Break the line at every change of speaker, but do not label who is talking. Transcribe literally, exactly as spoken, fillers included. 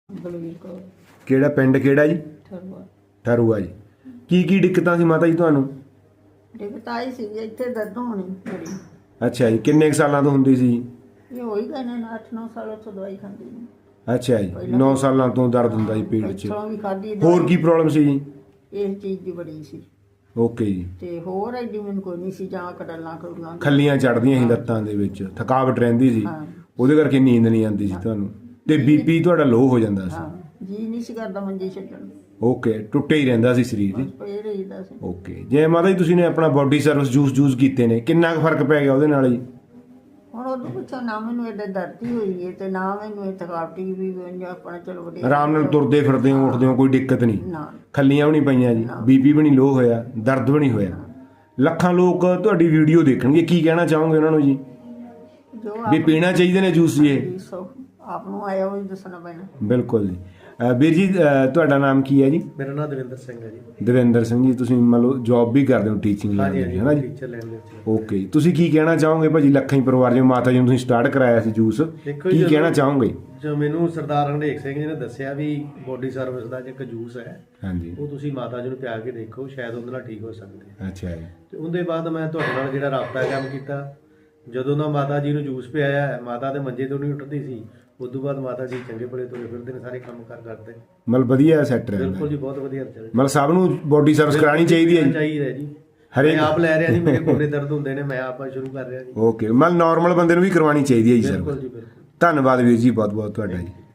ਬਲਵੀਰ ਕੌਰ
ਕਿਹੜਾ ਪਿੰਡ ਕਿਹੜਾ ਜੀ?
ਠਰਵਾ
ਠਰੂਆ ਜੀ। ਕੀ ਕੀ ਦਿੱਕਤਾਂ ਸੀ ਮਾਤਾ ਜੀ ਤੁਹਾਨੂੰ?
ਦਿੱਕਤ ਆਈ ਸੀ ਵੀ ਇੱਥੇ ਦਰਦ ਹੋਣੀ ਬੜੀ।
ਅੱਛਾ ਜੀ। ਕਿੰਨੇ ਕੁ ਸਾਲਾਂ ਤੋਂ ਹੁੰਦੀ ਸੀ?
ਇਹ ਹੋਈ ਗਏ ਨੇ ਅੱਠ ਨੌ ਸਾਲਾਂ ਤੋਂ ਦਵਾਈ ਖਾਂਦੀ ਨੇ।
ਅੱਛਾ ਜੀ। ਨੌ ਸਾਲਾਂ ਤੋਂ ਦਰਦ ਹੁੰਦਾ ਸੀ ਪੇਟ 'ਚ।
ਇੱਥੋਂ ਵੀ ਖਾਧੀ
ਹੋਰ
ਦਵਾਈ।
ਕੀ ਪ੍ਰੋਬਲਮ ਸੀ ਜੀ?
ਇਸ ਚੀਜ਼ ਦੀ ਬੜੀ ਸੀ
ਓਕੇ ਜੀ।
ਤੇ ਹੋਰ ਐਡੀ ਮੈਨੂੰ ਕੋਈ ਨਹੀਂ ਸੀ, ਜਾਂ ਕੜਲਾਂ ਕੜਲਾਂ
ਖੱਲੀਆਂ ਚੜਦੀਆਂ ਸੀ ਲੱਤਾਂ ਦੇ ਵਿੱਚ, ਥਕਾਵਟ ਰਹਿੰਦੀ ਸੀ,
ਹਾਂ
ਉਹਦੇ ਕਰਕੇ ਨੀਂਦ ਨਹੀਂ ਆਉਂਦੀ ਸੀ ਤੁਹਾਨੂੰ, ਤੇ ਬੀਪੀ ਤੁਹਾਡਾ ਲੋ ਹੋ ਜਾਂਦਾ ਸੀ।
ਹਾਂ ਜੀ ਨਹੀਂ ਸੀ ਕਰਦਾ ਮੰਜੀ ਛੱਡਣ ਨੂੰ।
ਓਕੇ, ਟੁੱਟੇ ਹੀ ਰਹਿੰਦਾ ਸੀ ਸਰੀਰ ਜੀ।
ਬਸ ਪਏ ਰਹੀਦਾ ਸੀ।
ਓਕੇ। ਜੇ ਮਾਤਾ ਜੀ ਤੁਸੀਂ ਨੇ ਆਪਣਾ ਬੋਡੀ ਸਰਵਿਸ ਜੂਸ ਜੂਸ ਕੀਤੇ ਨੇ, ਕਿੰਨਾ ਕੁ ਫਰਕ ਪੈ ਗਿਆ ਉਹਦੇ ਨਾਲ ਜੀ?
ਹੁਣ ਉਦੋਂ ਪੁੱਛੋ ਨਾ ਮੈਨੂੰ ਐਡੇ ਦਰਦੀ ਹੋਈ ਹੈ ਤੇ ਨਾ ਮੈਨੂੰ ਇਹ ਥਕਾਵਟੀ ਵੀ ਹੋਈ, ਆਪਣਾ ਚਲੋ ਵਧੀਆ
ਆਰਾਮ ਨਾਲ ਤੁਰਦੇ ਫਿਰਦੇ ਹੋ, ਉੱਠਦੇ ਹੋ, ਕੋਈ ਦਿੱਕਤ ਨਹੀਂ?
ਨਾ
ਖੱਲੀਆਂ ਵੀ ਨਹੀਂ ਪਈਆਂ ਜੀ, ਬੀਪੀ ਵੀ ਨਹੀਂ ਲੋ ਹੋਇਆ, ਦਰਦ ਵੀ ਨਹੀਂ ਹੋਇਆ। ਲੱਖਾਂ ਲੋਕ ਤੁਹਾਡੀ ਵੀਡੀਓ ਦੇਖਣਗੇ, ਕੀ ਕਹਿਣਾ ਚਾਹੋਗੇ ਉਹਨਾਂ ਨੂੰ ਜੀ?
ਜੋ
ਵੀ ਪੀਣਾ ਚਾਹੀਦੇ ਨੇ ਜੂਸ ਜੀ ਇਹ?
ਸੋ ਆਪ ਨੂੰ ਆਇਆ ਉਹ ਦੱਸਣਾ ਪੈਣਾ।
ਬਿਲਕੁਲ ਜੀ। ਅਹ ਵੀਰ ਜੀ, ਅਹ ਤੁਹਾਡਾ ਨਾਮ ਕੀ ਹੈ ਜੀ?
ਮੇਰਾ ਨਾਮ ਦਵਿੰਦਰ ਸਿੰਘ ਹੈ ਜੀ।
ਦਵਿੰਦਰ ਸਿੰਘ ਜੀ। ਤੁਸੀਂ ਮੰਨ ਲਓ ਜੌਬ ਵੀ ਕਰਦੇ ਹੋ ਟੀਚਿੰਗ ਲਾਈਨ
ਹਾਂਜੀ
ਦੀ, ਹੈ ਨਾ ਜੀ?
ਟੀਚਰ ਲੈਣ ਦੇ ਵਿੱਚ।
ਓਕੇ। ਤੁਸੀਂ ਕੀ ਕਹਿਣਾ ਚਾਹੋਗੇ ਭਾਜੀ ਲੱਖਾਂ ਹੀ ਪਰਿਵਾਰ ਜਿਵੇਂ ਮਾਤਾ ਜੀ ਨੂੰ ਤੁਸੀਂ ਸਟਾਰਟ ਕਰਾਇਆ ਸੀ ਜੂਸ,
ਦੇਖੋ
ਕੀ
ਜੀ,
ਕਹਿਣਾ ਚਾਹੋਗੇ?
ਜੋ ਮੈਨੂੰ ਸਰਦਾਰ ਹਰਨੇਕ ਸਿੰਘ ਜੀ ਨੇ ਦੱਸਿਆ ਵੀ ਬੋਡੀ ਸਰਵਿਸ ਦਾ ਇੱਕ ਜੂਸ ਹੈ,
ਹਾਂਜੀ।
ਉਹ ਤੁਸੀਂ ਮਾਤਾ ਜੀ ਨੂੰ ਪਿਆ ਕੇ ਦੇਖੋ, ਸ਼ਾਇਦ ਉਹਦੇ ਨਾਲ ਠੀਕ ਹੋ ਸਕਦੇ।
ਅੱਛਾ ਜੀ।
ਤੇ ਉਹਦੇ ਬਾਅਦ ਮੈਂ ਤੁਹਾਡੇ ਨਾਲ ਜਿਹੜਾ ਰਾਬਤਾ ਕੰਮ ਕੀਤਾ, ਜਦੋਂ ਦਾ ਮਾਤਾ ਜੀ ਨੂੰ ਜੂਸ ਪਿਆਇਆ, ਮਾਤਾ ਦੇ ਮੰਜੇ ਤੋਂ ਨਹੀਂ ਉੱਠਦੀ ਸੀ, ਉਸ ਤੋਂ ਬਾਅਦ ਮਾਤਾ ਜੀ ਚੰਗੇ ਭਲੇ ਤੁਰੇ ਫਿਰਦੇ ਨੇ, ਸਾਰੇ ਕੰਮ ਕਾਰ ਕਰਦੇ।
ਮਤਲਬ ਵਧੀਆ ਸੈੱਟ ਰਹਿੰਦਾ।
ਬਿਲਕੁਲ ਜੀ, ਬਹੁਤ ਵਧੀਆ ਚੱਲ
ਮਤਲਬ ਸਭ ਨੂੰ ਬੋਡੀ ਸਰਵਿਸ ਕਰਾਣੀ ਚਾਹੀਦੀ ਹੈ ਜੀ?
ਚਾਹੀਦਾ ਜੀ।
ਹਰੇਕ
ਮੈਂ ਆਪ ਲੈ ਰਿਹਾ ਜੀ, ਮੇਰੇ ਗੋਡੇ ਦਰਦ ਹੁੰਦੇ ਨੇ, ਮੈਂ ਆਪ ਸ਼ੁਰੂ ਕਰ ਰਿਹਾ ਜੀ।
ਓਕੇ। ਮਤਲਬ ਨਾਰਮਲ ਬੰਦੇ ਨੂੰ ਵੀ ਕਰਵਾਉਣੀ ਚਾਹੀਦੀ ਹੈ ਜੀ ਸਰ?
ਬਿਲਕੁਲ ਜੀ, ਬਿਲਕੁਲ।
ਧੰਨਵਾਦ ਵੀਰ ਜੀ, ਬਹੁਤ ਬਹੁਤ ਤੁਹਾਡਾ ਜੀ।